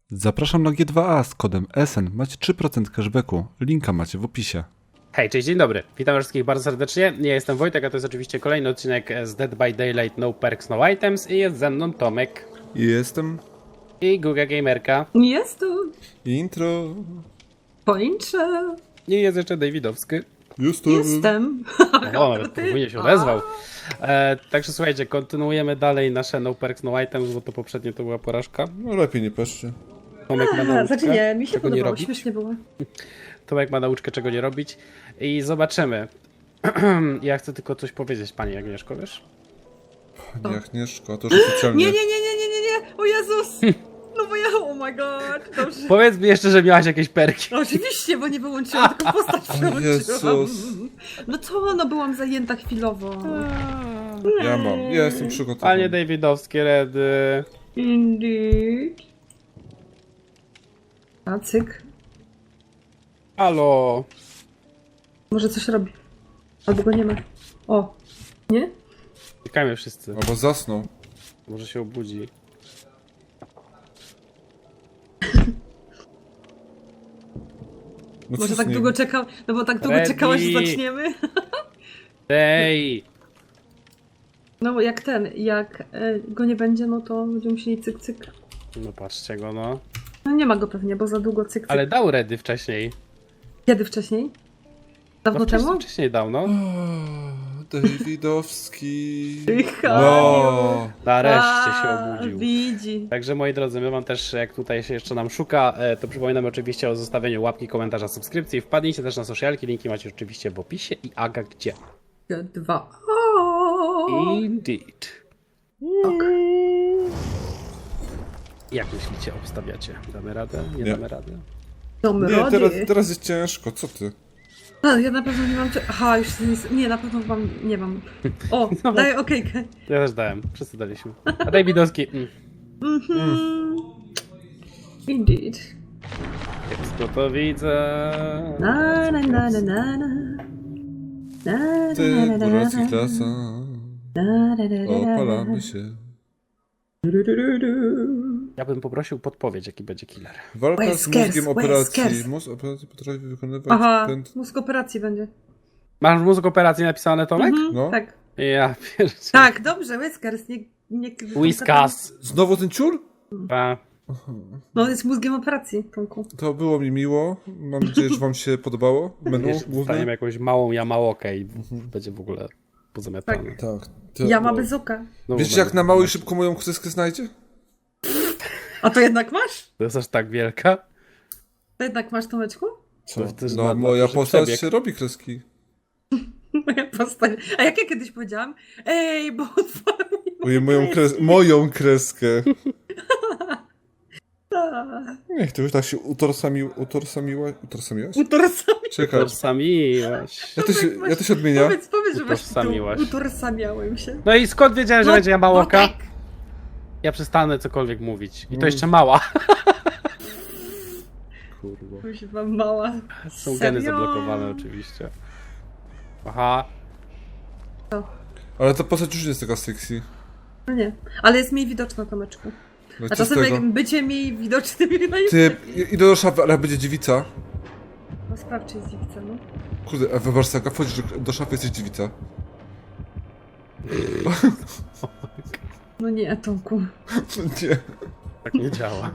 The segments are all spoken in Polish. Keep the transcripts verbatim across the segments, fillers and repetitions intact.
Zapraszam na G dwa A z kodem S N. Macie trzy procent cashbacku. Linka macie w opisie. Hej, cześć, dzień dobry. Witam wszystkich bardzo serdecznie. Ja jestem Wojtek, a to jest oczywiście kolejny odcinek z Dead by Daylight No Perks, No Items i jest ze mną Tomek Jestem. i Guga Gamerka Jest tu. Intro. Pończę. i jest jeszcze Davidowski. Jestem. Jestem. O, nawet podwójnie się odezwał. E, także słuchajcie, kontynuujemy dalej nasze No Perks, No Items, bo to poprzednio to była porażka. No lepiej nie peszcie. Tomek ma A, nauczkę, znaczy nie, mi się czego nie podobało, robić. śmiesznie było. Tomek ma nauczkę, czego nie robić i zobaczymy. Ja chcę tylko coś powiedzieć, pani Agnieszko, wiesz? Nie, Agnieszko, to już oficjalnie. Nie, nie, nie, nie, nie, nie, nie, o Jezus! No bo ja, oh my god, dobrze. Powiedz mi jeszcze, że miałaś jakieś perki. No, oczywiście, bo nie wyłączyłam, tylko postać przełączyłam. Jezus. No co, no byłam zajęta chwilowo. Ja mam, ja jestem przygotowany. Panie Davidowskie, redy. Indeed. A, cyk. Halo. Może coś robi. Albo go nie ma. O. Nie? Czekajmy wszyscy. Albo zasnął. Może się obudzi. No co Może z tak nim? długo czekał, no bo tak długo Ready. czekałaś, że zaczniemy. Ej! No bo jak ten, jak e, go nie będzie, no to będziemy musieli cyk cyk. No patrzcie go, no. No nie ma go pewnie, bo za długo cyk cyk. Ale dał redy wcześniej. Kiedy wcześniej? Dawno No temu? wcześniej, wcześniej dał, no. O, Davidowski. Tycha. No. Nareszcie się A, obudził. Widzi. Także moi drodzy, my wam też, jak tutaj się jeszcze nam szuka, e, to przypominam oczywiście o zostawieniu łapki, komentarza, subskrypcji. Wpadnijcie też na socialki, linki macie oczywiście w opisie. I Aga gdzie? Dwa. O. Indeed. Ok. Jak myślicie, obstawiacie? Damy radę? Nie, Nie. damy radę? Dom Nie, rody. teraz, teraz jest ciężko, co ty? A, ja na pewno nie mam... cze- Aha, już nie, nie, na pewno mam, nie mam. O, No. daję okejkę. Ja też dałem, wszyscy daliśmy. A Davidowski, mm. Mhm. Indeed. Kiepsko to widzę. Na, na, na, na, na, na. Na, Ty, na, na, na, Boracji na. klasa. Na, na, na, na, na. Opalamy się. Du, du, du, du. Ja bym poprosił podpowiedź, jaki będzie killer. Walka z Whiskers, mózgiem operacji. Whiskers. Mózg operacji potrafi wykonywać Aha, pęd... mózg operacji będzie. Masz mózg operacji napisane, Tomek? Mhm, No. Tak. Ja pierwszy. Tak, dobrze, Whiskers, nie... nie Whiskas. Znowu ten ciul? A, No, jest mózgiem operacji, Tomku. To było mi miło. Mam nadzieję, że wam się podobało. Menu jeszcze dostaniemy główne. jakąś małą jamałokę i będzie w ogóle pozamiatane. Tak. To, Ja ma no. bez oka. No, Wiecie, no, jak na mało i szybko moją kreskę znajdzie? A to jednak masz? To jest aż tak wielka? To jednak masz, Tomeczku? Co? To też No, ma- moja duży postać przebieg. się robi kreski. Moja postać. A jak ja kiedyś powiedziałam? Ej, bo otworzył mi Moje, moją, kres... moją kreskę. Niech to już tak się utorsami... utorsamiła... utorsamiłaś? utorsamiał. Czekaj. Utorsamiłaś. Ja to się, ja to się odmienia. Powiedz, powiedz, że masz Utorsamiłaś. tytuł. Utorsamiałem się. No i skąd wiedziałem, że No, będzie jamałoka? no tak. Ja przestanę cokolwiek mówić. I to Mm. jeszcze mała. Kurwa. Kuźwa mała. Są Serio? geny zablokowane oczywiście. Aha. Ale ta postać już nie jest taka sexy. No nie, ale jest mniej widoczna, Tomeczku. No A co z czasem tego? jak bycie mniej widocznym no jest Ty, lepiej. idę do szafy, ale będzie dziewica. No sprawdź, czy jest dziewicą, no. Kurde, a wyobraź sobie, jak wchodzisz do- do szafy, jesteś dziewica. No nie, Tomku. Nie. Tak nie działa.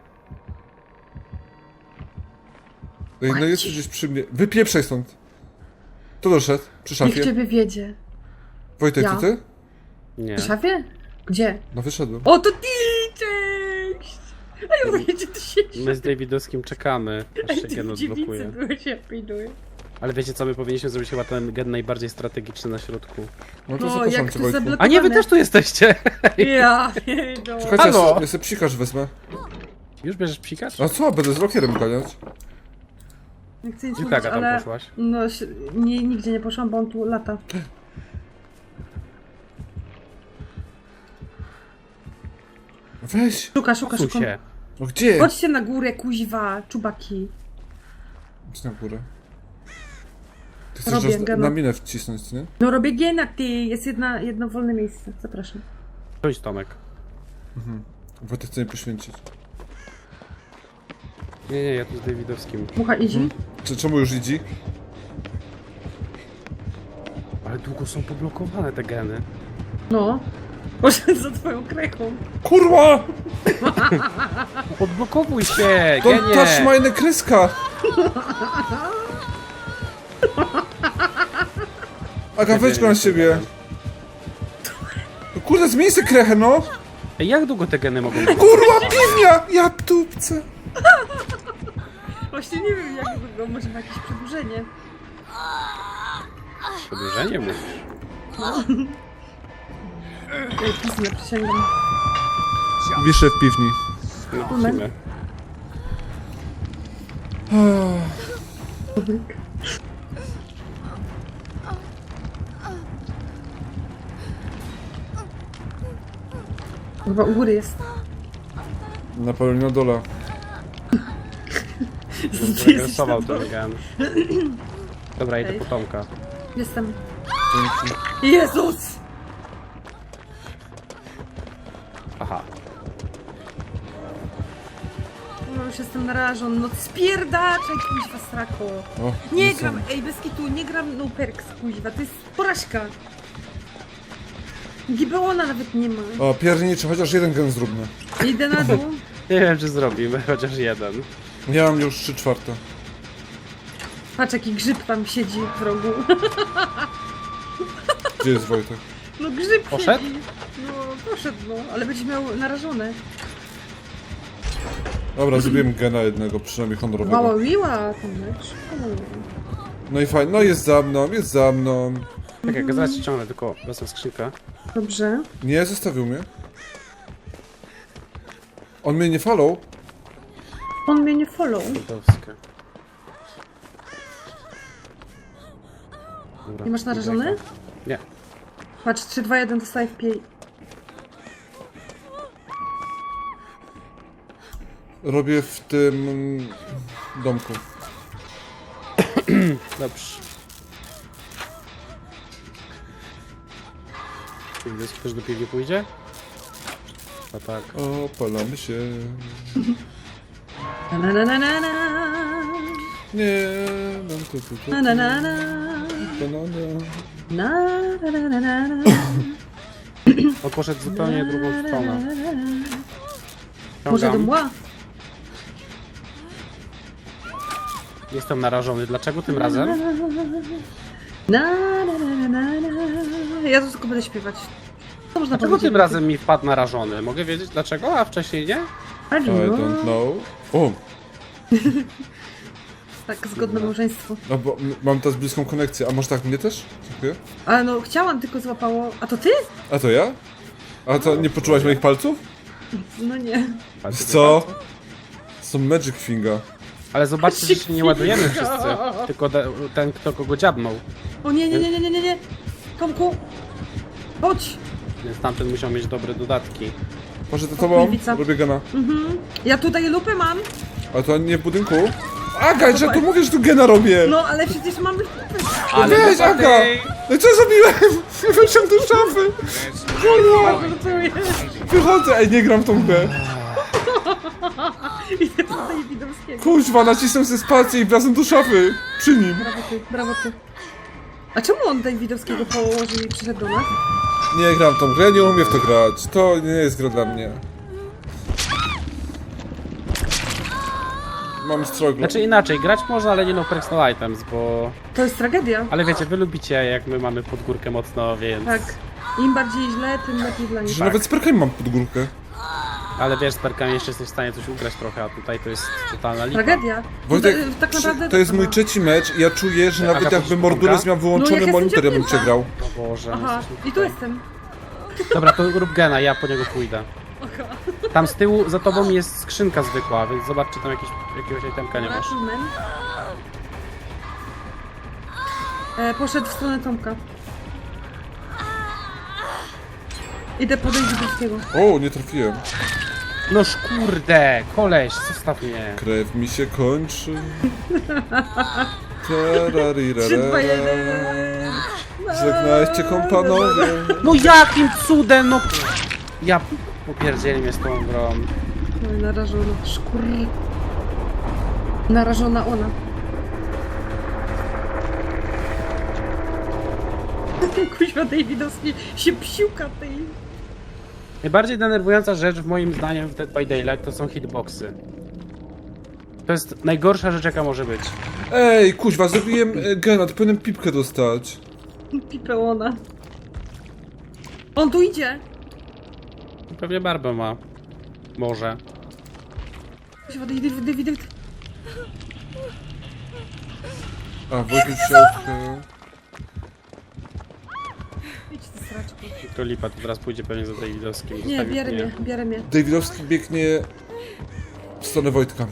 Ej, no jest gdzieś przy mnie. Wypieprzaj stąd. To doszedł, przy Niech szafie. ciebie wiedzie. Wojtek, Ja? to ty? Nie. W szafie? Gdzie? No wyszedłem. O, to ty! Cześć! A ja mówię, gdzie ty siedzisz? My z Davidowskim czekamy, aż Ej, się ty gen w dziewicy odblokuje. byłeś, ja pilnuję. Ale wiecie co, my powinniśmy zrobić chyba ten gen najbardziej strategiczny na środku. No to No, zapraszam jak cię, to Wojtku. zablokowane. A nie, wy też tu jesteście! Ja, no. Czekajcie, ja Halo? sobie, ja sobie psikarz wezmę. Już bierzesz psikacz? A co, będę z rokierem ganiać? Nie chcę nic Gdzie mówić, Aga tam ale... poszłaś? No, si- nie, nigdzie nie poszłam, bo on tu lata. Weź. Szuka, szuka, Tu szuka. się. No gdzie? Chodźcie na górę, kuźwa, czubaki. Idź na górę. Ty chcesz Robię nas na, gena. na minę wcisnąć, nie? No robię giena, ty, jest jedna, jedno wolne miejsce, zapraszam. Chodź Tomek. Wojtek chce mnie poświęcić. Nie, nie, ja tu z Davidowskim. Mucha idzie? Czy, czemu już idzie? Ale długo są poblokowane te geny. No. Poszedł za twoją krechą. Kurwa! Odblokowuj się, Don't touch genie! meine kreska! Aga, weź go na siebie. No kurde, zmień sobie krechę, no! Ej, jak długo te geny mogą być? Kurwa, piwnia! Ja tupce! Właśnie nie wiem jak długo, może ma jakieś przedłużenie. Przedłużenie mówisz? Ej, pisnę, przysięgam. Wiszę w piwni. No, Moment. musimy. Chyba u góry jest. Na pewno na dole. Zagresował ten gen. Dobra, idę Ej. po Tomka. Jestem. Dzięki. Jezus! Aha. No już jestem narażony. No spierdaczaj, kuźwa, srako. O, Nie są. gram, ej, bez kitu, nie gram no perks, kuźwa, to jest porażka. Gibeona nawet nie ma. O, pierniczy, chociaż jeden gen zróbmy. Idę na dół. Nie wiem, czy zrobimy, chociaż jeden. Ja mam już trzy czwarte. Patrz, jaki grzyb tam siedzi w rogu. Gdzie jest Wojtek? No grzyb Poszedł? siedzi. No, poszedł, no, ale będziesz miał narażone. Dobra, zrobiłem gena jednego, przynajmniej honorowego. Mała wiła, ten mecz. No i fajnie, no jest za mną, jest za mną. Tak jak zaraz ci ciągnę, tylko wezmę skrzynkę. Dobrze. Nie, zostawił mnie. On mnie nie follow. On mnie nie follow. Davidowskie. Dobra, Nie masz narażony? Nie. Patrz, trzy, dwa, jeden, dostaję w piej. Robię w tym mm, domku. Dobrze. Davidowski też do piwni pójdzie? A tak. Opalamy się. Na na na na na na. Nie, no to to to. Na na na na. Banana. Na na na na na. On poszedł zupełnie drugą stronę. Może do Ciągam. mła? Jestem narażony. Dlaczego tym razem? Na na na na na na. Ja tu tylko będę śpiewać. Co można Dlaczego powiedzieć? tym razem mi wpadł narażony? Mogę wiedzieć dlaczego, a wcześniej nie? I I don't know. O, Tak, zgodne małżeństwo. no bo m- mam teraz bliską konekcję. A może tak mnie też? Dziękuję. Ale no, chciałam, tylko złapało. A to ty? A to ja? A to nie poczułaś moich palców? No nie. Wiesz co? Są Magic Finga. Ale zobaczcie, że się nie ładujemy wszyscy. Tylko de- ten, kto kogo dziabnął. O nie, nie, nie, nie, nie, nie, nie. Tomku! Chodź! Więc tamten musiał mieć dobre dodatki. Może to tobą? Lewica. Robię gena. Mhm. Ja tutaj lupę mam. A to nie w budynku? Aga, że tu mówisz, że tu gena robię! No, ale przecież mamy... Ale Weź, dodatek! Aga! No i co zrobiłem? Wyszedłem do szafy! Kurwa! Żartuję. Wychodzę! Ej, nie gram w tą grę. Idę po Davidowskiego. Kuźwa, nacisnę sobie spację i wlazłem do szafy. Przy nim. Brawo ty, brawo ty. A czemu on Davidowskiego położył i przyszedł do nas? Nie gram w tą grę, nie umiem w to grać. To nie jest gra dla mnie. Mam stroglo. Znaczy inaczej, grać można, ale nie no personal items, bo... To jest tragedia. Ale wiecie, wy lubicie jak my mamy pod górkę mocno, więc... Tak. Im bardziej źle, tym lepiej dla nich. Że nawet z perkami mam pod górkę. Ale wiesz, z perkami jeszcze jesteś w stanie coś ugrać trochę, a tutaj to jest totalna lipa. Tragedia. Wojtek, to, tak naprawdę... to jest mój trzeci mecz i ja czuję, że Aga, nawet jakby poszukam Mordulec ga? miał No, wyłączony jak monitor, ja bym jestem przegrał. O Boże, Aha, jesteśmy i tu tutaj. jestem. Dobra, to rób gena, ja po niego pójdę. Tam z tyłu za tobą jest skrzynka zwykła, więc zobacz, czy tam jakieś, jakiegoś itemka nie masz. Achievement. E, poszedł w stronę Tomka. Idę podejść do Davidowskiego. O, nie trafiłem. No kurde, koleś, zostaw mnie. Krew mi się kończy. trzy, dwa, jeden. Tararirarara. Żegnajcie kompanowie. No jakim cudem, no... Ja popierdzieli mnie z tą grą. No i narażono. Szkur. Narażona ona. Kuźwa Davidowski się psiuka tej. Najbardziej denerwująca rzecz w moim zdaniem w Dead by Daylight to są hitboxy. To jest najgorsza rzecz jaka może być. Ej, kuźwa, zrobiłem e, granat, powinienem pipkę dostać. Pipę ona. On tu idzie. Pewnie barbę ma. Może. Kuźwa David, David, David. A, Wojtek środkę. Idź ty sraczku. To lipa, to teraz pójdzie pewnie za Davidowskim. Nie, Zostawi bierę mnie. mnie, bierę mnie. Davidowski biegnie w stronę Wojtka.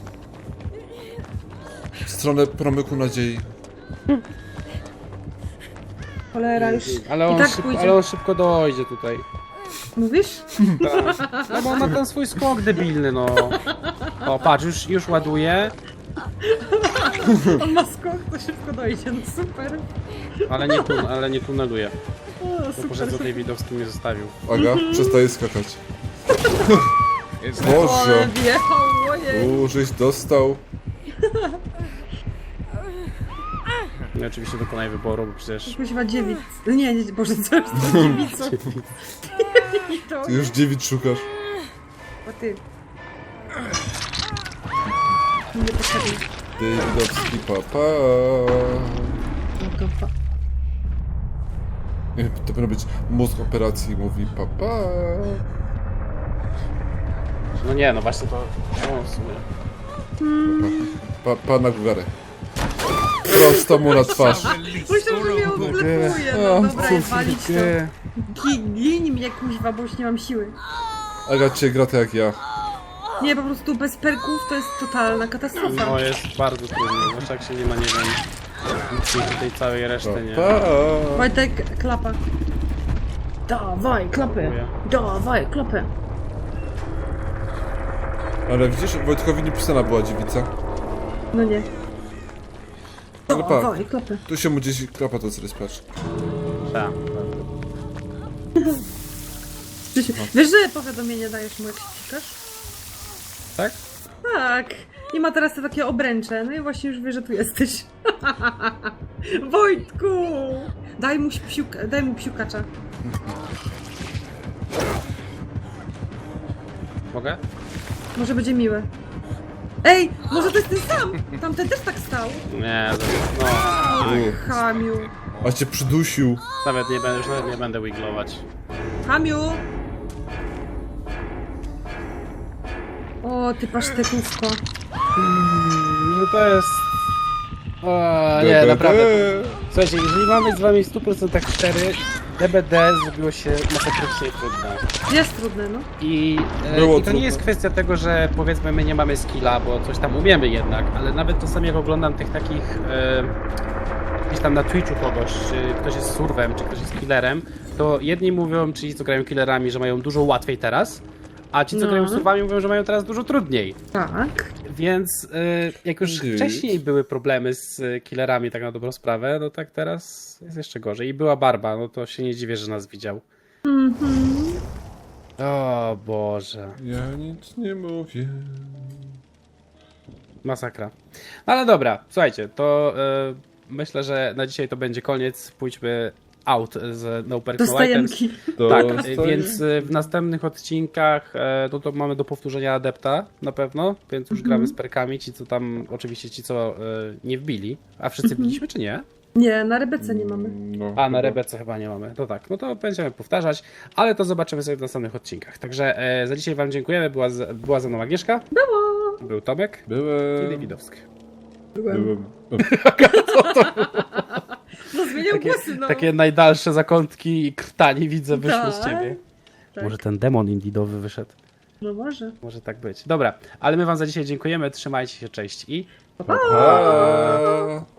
W stronę promyku nadziei. Cholera już. Ale I on, tak szybko, pójdzie. ale on szybko dojdzie tutaj. Mówisz? No bo on ma ten swój skok debilny, no. O, patrz, już, już ładuje, On ma skok, to szybko dojdzie, no super. ale nie, tun ale nie tuneluje. O, Bo super. poszedł za Davidowskim mnie zostawił. Aga, przestaje skakać. O, Boże! wjechał, ojej. U, żeś dostał. No i oczywiście dokonaj wyboru, bo przecież... Kuźwa dziewic. Nie, nie, Boże, co jest to dziewicą? I to, Ty już dziewic szukasz. o ty. Nie potrzebny. Davidowski, papa. Dobra, pa. Nie, to powinno być mózg operacji, mówi papa. No nie, no właśnie to... No w sumie... Pa, pa na górę. Prosto mu na twarz. Myślę, że mnie odblepuje. O, No dobra, cóż, walić to. Nie. Gi- Gin mnie kuźwa, bo już nie mam siły. Aga cię gra tak jak ja. Nie, po prostu bez perków to jest totalna katastrofa. No jest bardzo trudno, zwłaszcza jak się nie ma, nie wiem... Nic tej całej reszty, nie? Pa. Wojtek, klapa. Dawaj, klapę. Dziękuję. Dawaj, klapę. Ale widzisz, Wojtkowi nie pisana była dziewica. No nie. Ale pa, Dawaj, klapę. tu się mu gdzieś klapa to zrespacz. Tak. Wiesz, wiesz, że powiadomienie dajesz mu, jak się pikasz? Tak? Tak. I ma teraz te takie obręcze. No i właśnie już wie, że tu jesteś. Wojtku! Daj mu psiuka, daj mu psiukacza. Mogę? Może będzie miłe. Ej, może to jest ten sam! Tamten też tak stał. Nie, no... Oj, Hamiu. A cię przydusił. Nawet nie będę, już nawet nie będę wiglować. Hamiu! O, ty pasztetówko. No to jest... O, nie, naprawdę. Słuchajcie, jeżeli mamy z wami w stu procentach cztery, D B D zrobiło się masakrycznie trudne. Jest trudne, no. I, e, Było i to trudno. nie jest kwestia tego, że powiedzmy my nie mamy skilla, bo coś tam umiemy jednak, ale nawet czasami jak oglądam tych takich e, gdzieś tam na Twitchu kogoś, czy ktoś jest surwem, czy ktoś jest killerem, to jedni mówią, ci co grają killerami, że mają dużo łatwiej teraz, a ci co No. grają surwami mówią, że mają teraz dużo trudniej. Tak. Więc y, jak już Nic. wcześniej były problemy z y, killerami, tak na dobrą sprawę, no tak teraz jest jeszcze gorzej. I była Barba, no to się nie dziwię, że nas widział. Mhm. O Boże, Ja nic nie mówię. masakra. No ale dobra, słuchajcie, to y, myślę, że na dzisiaj to będzie koniec. Pójdźmy out z No Perks Do No Items. stajenki. Tak, Dostaję. więc y, w następnych odcinkach e, no to mamy do powtórzenia Adepta na pewno, więc już gramy z perkami, ci co tam, oczywiście ci co e, nie wbili, a wszyscy wbiliśmy czy nie? Nie, na Rebece nie mamy. No, A na chyba. Rebece chyba nie mamy, to tak, no to będziemy powtarzać, ale to zobaczymy sobie w następnych odcinkach. Także e, za dzisiaj wam dziękujemy, była, z, była ze mną Agnieszka, Było. był Tomek i Byłem. Davidowski. Byłem. Byłem. No zmieniał Takie, głosy, no. takie najdalsze zakątki i krtani widzę wyszły z Tak, ciebie. tak. Może ten demon indydowy wyszedł. No może. Może tak być. Dobra, ale my wam za dzisiaj dziękujemy, trzymajcie się, cześć i... Pa.